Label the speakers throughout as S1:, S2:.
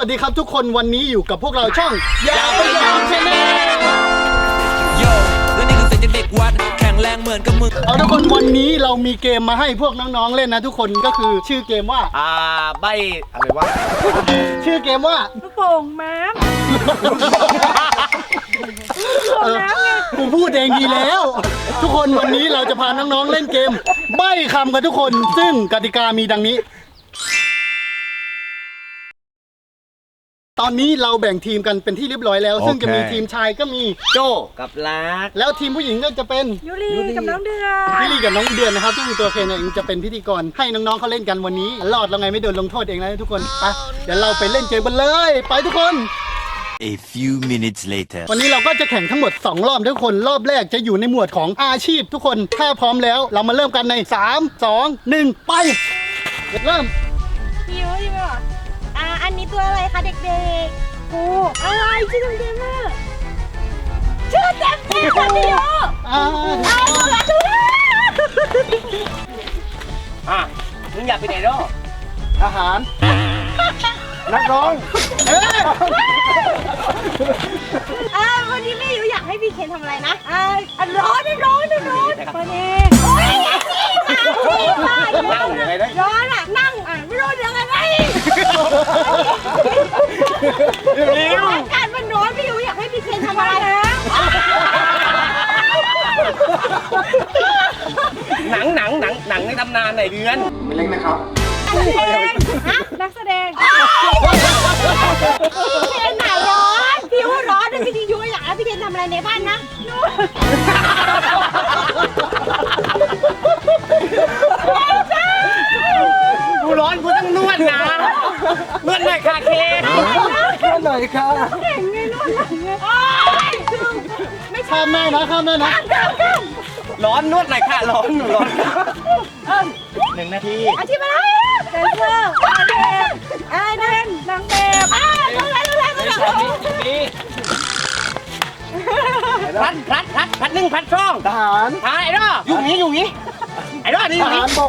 S1: วัสดีครับทุกคนวันนี้อยู่กับพวกเราช่องอย่าไปยอมชนะ
S2: โยและนี่คือเสียงเด็กวัดแข็งแรงเหมือนกับมึง
S1: เอาทุกคนวันนี้เรามีเกมมาให้พวกน้องๆเล่นนะทุกคนก็คือชื่อเกมว่า
S3: ใบอะไรวะ
S1: ชื่อเกมว่า
S4: ลูกโป่งม้าม
S1: กูพูดเองดีแล้วทุกคนวันนี้เราจะพาน้องๆเล่นเกมใบ้คำกันทุกคนซึ่งกติกามีดังนี้ตอนนี้เราแบ่งทีมกันเป็นที่เรียบร้อยแล้วซึ่งจะมีทีมชายก็มี
S3: โจกับลัก
S1: แล้วทีมผู้หญิงก็จะเป็น
S4: ยูรีกับน้องเดือน
S1: ยูรีกับน้องเดือนนะครับซึ่งตัวเคนเองจะเป็นพิธีกรให้น้องๆเขาเล่นกันวันนี้รอดแล้วไงไม่โดนลงโทษเองนะทุกคนไปเดี๋ยวเราไปเล่นเกมกันเลยไปทุกคน
S2: A few minutes later
S1: วันนี้เราก็จะแข่งทั้งหมด2รอบทุกคนรอบแรกจะอยู่ในหมวดของอาชีพทุกคนถ้าพร้อมแล้วเรามาเริ่มกันใน3 2 1ไปเริ่ม
S4: พี่ยูใช่ไหมวะอันนี้ตัวอะไรคะเด็กๆกูอะไรชื่อเต็มๆอะชื่อเต็มๆค่ะพี่ยู
S3: มึงอยากไปไหนเนาะ
S1: อาหารนักร้อง
S4: วันนี้พี่ยูอยากให้พี่เคนทำอะไรนะร้อนวันนี้โอ้ย
S3: นั่งยังไงได้
S4: ร้อนอ่ะนั่งไม่รู้ยังไงเร็วอากาศมันร้อนพี่ยูอยากให้พี่เคนทำอะไรนะ
S3: หนังในตำนานไหนเดือน
S1: ไม่เล็กนะครับ
S4: นักแสดงพี่เคนไหนร้อนพี่ยูร้อนพี่ยูอยากให้พี่เคนทำอะไรในบ้านนะ
S3: กูร้อนกูต้องนวดนะนวดหน่อยค่ะเคน
S1: นวดหน่อยค่ะ
S4: เก่งไงนวดหน่อยไม่
S1: ข้ามแม่นะ
S3: ร้อนนวดหน่อยค่ะร้อนหนูร้อน1 นาที
S4: อาชีพอะไรแดนเซอร์อะไรนั่นนางแบบ
S3: พัดนึ่งพัดช่อง
S1: ทหาร
S3: ไอ้รออยู่งี้ไอ้รอนี่อยู่งี้
S1: บก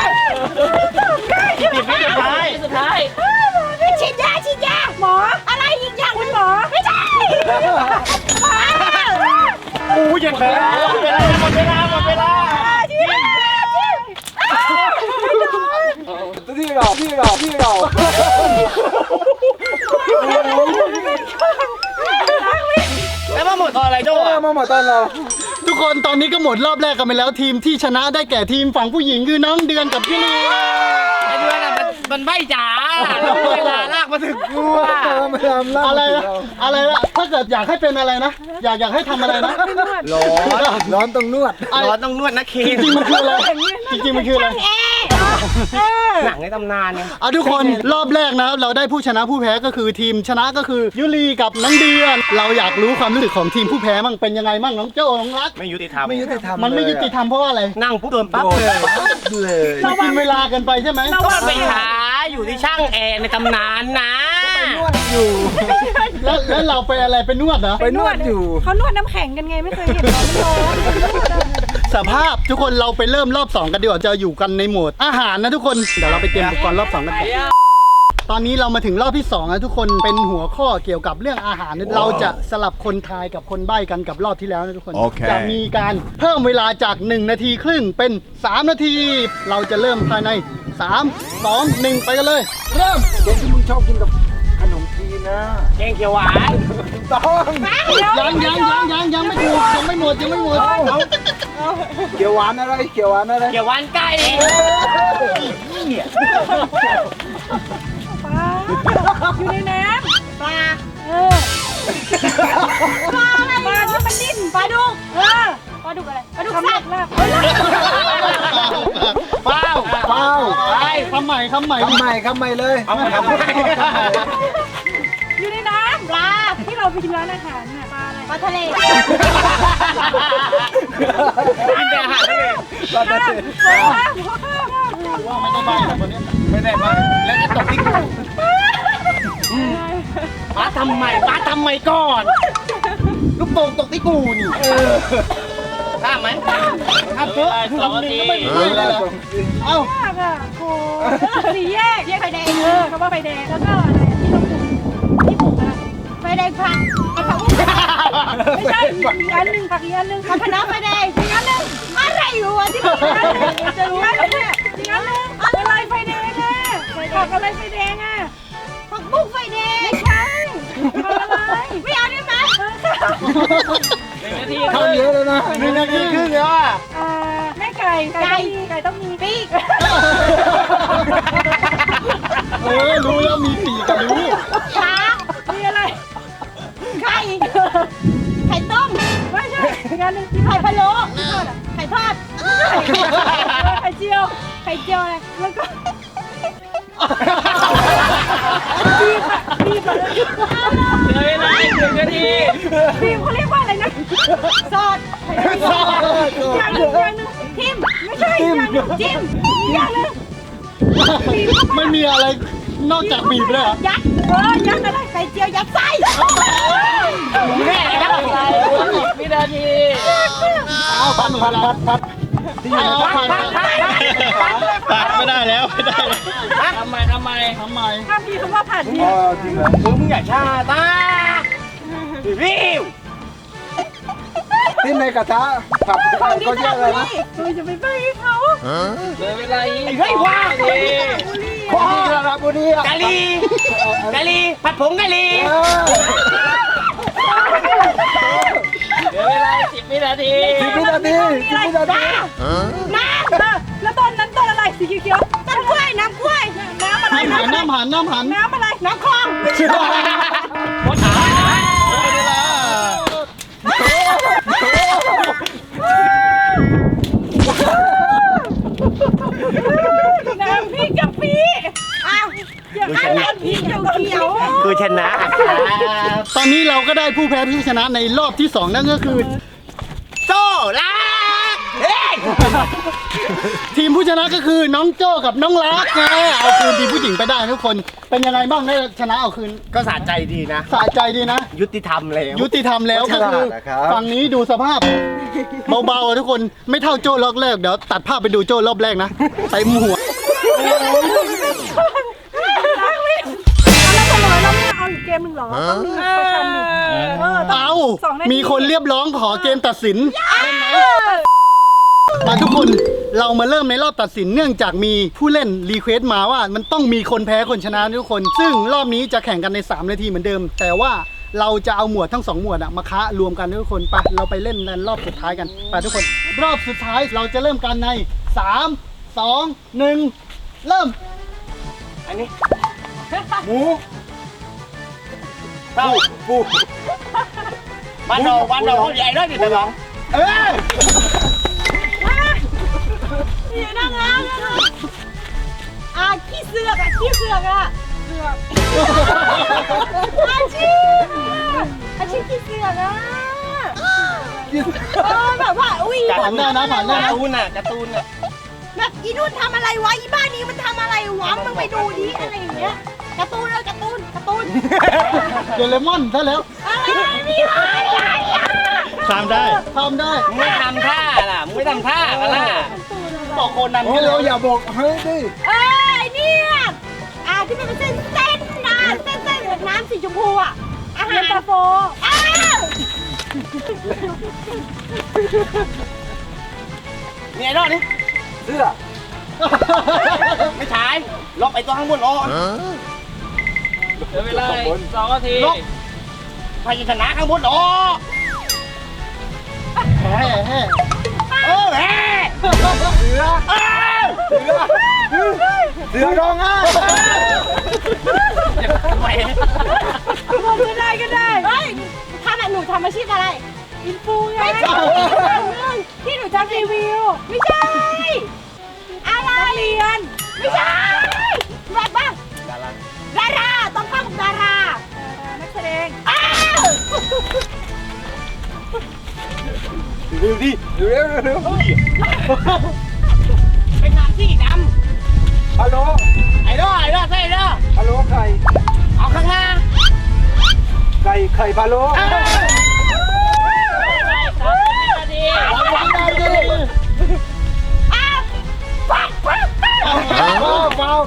S3: สุดท้าย
S4: ฉีดยาหมออะไรอีกอย่างคุณหมอไม่ใช่
S3: อู้ยังไปหมดเวลาที่เราแล้วมาหมดตอนอะไรโจ้
S1: มาหมดตอนเราทุกคนตอนนี้ก็หมดรอบแรกกันไปแล้วทีมที่ชนะได้แก่ทีมฝั่งผู้หญิงคือน้องเดือนกับพี่ลี
S3: ไอ้เดือนมันใบจ๋าเวลาลากมาถึงกู
S1: อะไรล่ะถ้าเกิดอยากให้เป็นอะไรนะอยากให้ทำอะไรนะร้อนต้องนวด
S3: นะเคน
S1: จริงมันคืออะไร
S3: หนังในตำนานเนี่ย
S1: ทุกคนรอบแรกนะเราได้ผู้ชนะผู้แพ้ก็คือทีมชนะก็คือยุรีกับน้องเดือนเราอยากรู้ความรู้สึกของทีมผู้แพ้มั่งเป็นยังไงมั่งน้องโจ้น้องรัก
S3: ไม่ยุติธรรม
S1: มันไม่ยุติธรรมเพราะว่าอะไร
S3: นั่งปุ๊บเติมปั๊บ
S1: เลยกินเวลากันไปใช่ไหม
S3: ก็ไปหาอยู่ที่ช่างแอร์ในตำนานนะ
S1: นวดอยู่แล้วเราไปอะไรไปนวดเหรอ
S4: ไปนวดอยู่เขานวดน้ำแข็งกันไงไม่เคยเห็นร้อน
S1: สภาพทุกคนเราไปเริ่มรอบ2กันดีกว่าจะอยู่กันในโหมดอาหารนะทุกคนเดี๋ยวเราไปเตรียมอุปกรณ์รอบ2กันตอนนี้เรามาถึงรอบที่2นะทุกคนเป็นหัวข้อเกี่ยวกับเรื่องอาหารเราจะสลับคนทายกับคนใบ้กันกับรอบที่แล้วนะทุกคนจะมีการเพิ่มเวลาจาก1 นาทีครึ่งเป็น3 นาทีเราจะเริ่มภายใน3 2 1ไปกันเลยเริ่มเด็กที่มึงชอบกินกับขนมจีนนะ
S3: แกงเขียวหวาน
S1: ต้องยังไม่ถูกยังไม่หมดเขียวหวานอะไร
S3: เขียวหวานไก่
S4: ปลาอยู่ในน้ำปลาอะไรที่มันดิ้นปลาดุกปลาดุกอะไรปลาดุกสัตว์
S1: เปล่าไปคำใหม่เลย
S4: อยู่ในน้ำปลาที่เราไปกินร้านอาหารน่ะปลาอะไรปลาทะเล
S3: กินแต่อาหารทะเล
S1: ว่าไม่ได้ใบแบบนี้ไม่ได้ใบแล้วก็ตกที่กู
S3: ป้าทำไมก่อนลูกโป่งตกที่กูนี่ข้ามไหมข้ามเพื่อ2 นาที
S1: เอ้า
S4: โอ้สี่แยกไฟแดงเขาว่าไฟแดงแล้วก็อะไรที่ต้องไม่ใช่อีกอันหนึ่งผักอีกอันหนึ่งผักคะน้าไฟแดงอีกอันหนึ่งอะไรอยู่อ่ะที่มีอันหนึ่งจะรู้ไหมเนี่ยอีกอันหนึ่งอะไรไฟแดงอ่ะผักอะไรไฟแดงอ่ะผักบุ้งไฟแดงไม่ใช่ผักอะไรไม่เอาได้ไหม
S1: ทำเยอะเลยนะ
S3: 1 นาทีครึ่งแล้วอ่ะ
S4: แม่ไก่ต้องมีปีก
S1: รู้แล้วมีปีกกันรู้
S4: ช้ามีอะไรไข่ต้มไม่ใช่อีกอันหนึ่งไข่พะโล้ไข่ทอดไข่เจียวอะไรแล้วก็บีบเลยเหลือเวลาอีก1 นาทีบีบเขาเรียกว่าอะไรนะซอสอย่างหนึ่งทิมไม่ใช่อย่างหนึ่งจิ้มอย่างหนึ่ง
S1: ไม่มีอะไรนอกจากบีบเลยเหรอ
S4: ยัดยัดอะไรไข่เจียวยัดไส้แม่วินาที
S1: เอาพัดไม่ได้แล้วทำไม
S4: ห้ามพี่คำว่าผ่านพี่
S3: มึงอย่าชาตาวิว
S1: ที่ในกระทะผัด
S4: ของที่ทำนี่เราจะไปไปเขาไอ้เฮ้ยว้าว
S1: ที่ระบุรี
S3: กะลีผัดผงกะลี
S4: 10 วินาทีน้ำแล้วต้นนั้นต้นอะไรสีเขียวต้นกล้วยน้ำกล้วยน้ำอะไรน้ำอะไรน้ำคลองน้ำพริกกะปิอ้าวอย่างนั้นน้ำพริกเขียว
S3: คือชนะ
S1: ตอนนี้เราก็ได้ผู้แพ้ผู้ชนะในรอบที่ 2 นั่นก็คือ
S3: โซ่ลาเฮ้ย
S1: ทีมผู้ชนะก็คือน้องโจ้กับน้องรักไงเอาคืนทีมผู้หญิงไปได้ทุกคนเป็นยังไงบ้างได้ชนะเอาคืน
S3: ก็สะใจดีนะ
S1: สะใจดีนะ
S3: ยุติธรรมแล้ว
S1: ยุติธรรมแล้วก็คือฝั่งนี้ดูสภาพเบาๆทุกคนไม่เท่าโจ้รอบแรกเดี๋ยวตัดภาพไปดูโจ้รอบแรกนะเต็มหัว
S4: แล้วทำไมเราไม่เอาอีกเกมหนึ่งหรอต้องมีประชันดิ
S1: เอามีคนเรียบร้องขอเกมตัดสินมาทุกคนเรามาเริ่มในรอบตัดสินเนื่องจากมีผู้เล่นรีเควสต์มาว่ามันต้องมีคนแพ้คนชนะทุกคน ซึ่งรอบนี้จะแข่งกันใน3 นาทีเหมือนเดิม แต่ว่าเราจะเอาหมวดทั้ง2 หมวดมาคะรวมกันทุกคนไปเราไปเล่นในรอบสุดท้ายกันไปทุกคน รอบสุดท้ายเราจะเริ่มกันใน3 2 1เริ่ม
S3: อันนี้หมูเต้าปูบ้านเราใหญ่เลยดิตะลอง
S4: อย่านั่งล้างขี้เสือกขี้เสือกอาชีพขี้เสือกแบบว่าอุ้ย
S1: ผ่านได้นะผ่านได้
S3: การ์
S1: นะ
S3: ตูนอ่ะ
S4: แบบอีนู่นทำอะไรวะอีบ้านนี้มันทำอะไรวะมึงไปดูดิอะไรอย่างเงี้ยการ์ตูน
S1: เดลมอนซะแล้ว
S4: อะไรนี่อะไร
S1: ทำได้ทำได้
S3: มึงไม่ทำท่าล่ะมึงไม่ทำท่ากันล่ะบอกโคนัน
S1: โอ้เราอย่าบอกเฮ้ยดิ
S4: เนี่ยที่มันเป็นเส้นนะเส้นน้ำสีชมพูอาหารตาโฟ
S3: นี่ไอ้รอดนี่เสื้อไม่ใช่ล็อกไอ้ตัวข้างบนอ๋อ
S5: เหลือเวลา2 นาที
S3: ล็อกพยัญชนะข้างบนอ๋อ
S1: แห่แห่
S3: เสือร้องไห้ทำไม
S4: ผมก็ได้เฮ้ยหนูทำอาชีพอะไรอินฟูไงไม่ใช่ที่หนูทำรีวิวไม่ใช่อะไรเรียนไม่ใช่แบบว่าดาราต้องเข้ากับดารานักแสดง
S3: เร็วดิเร็ว
S4: เป็นน้ำสีดำ
S3: ฮัลโหลไอ้รอดใช่รอด
S1: ฮัลโหลไข่
S3: เอาข้างหน้า
S1: ไข่พะโล้
S5: นาที
S1: ป้า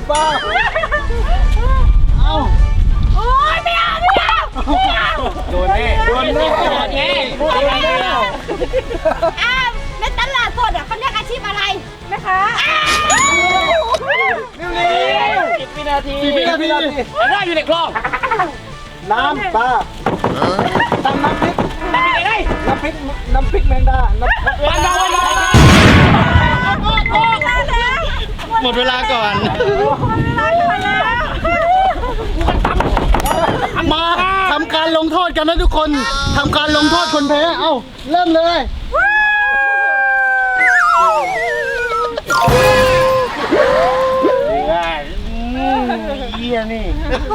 S1: เอา
S4: โอ๊ยไม่เอา
S3: โดนแน่
S4: อ้าวในตลาดสดเขาเรียกอาชีพอะไรแม่ค้า
S5: 10 วินาที
S1: 4 วินาที
S5: ได้อยู่ในคลอง
S3: น้ำปลาตำน้ำพริก
S5: ได้ไง
S3: น้ำพริกแมงดาน้ำ
S5: วันดาว
S1: หมดเวลาก่อน มาทำการลงโทษกันนะทุกคนทำการลงโทษคนแพ้เอ้าเริ่มเลย
S3: เยี่ยนี่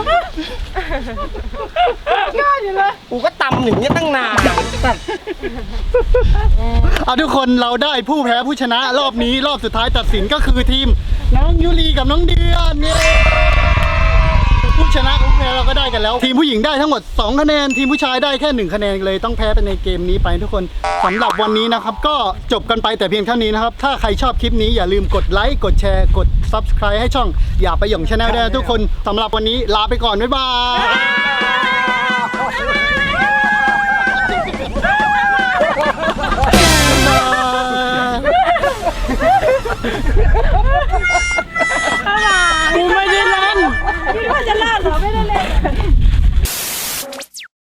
S3: กูก็ตำอย่างเงี้ยตั้งนาน
S1: เอาทุกคนเราได้ผู้แพ้ผู้ชนะรอบนี้รอบสุดท้ายตัดสินก็คือทีมน้องยุรีกับน้องเดือนเนี่ยผู้ชนะผู้แพ้เราก็ได้กันแล้ว ทีมผู้หญิงได้ทั้งหมด2คะแนนทีมผู้ชายได้แค่1คะแนนเลยต้องแพ้ไปในเกมนี้ไปทุกคนสำหรับวันนี้นะครับก็จบกันไปแต่เพียงเท่านี้นะครับถ้าใครชอบคลิปนี้อย่าลืมกดไลค์กดแชร์กด Subscribe ให้ช่องอย่าไปหย่องชาแนลด้วยนะทุกคนสำหรับวันนี้ลาไปก่อนบ๊ายบาย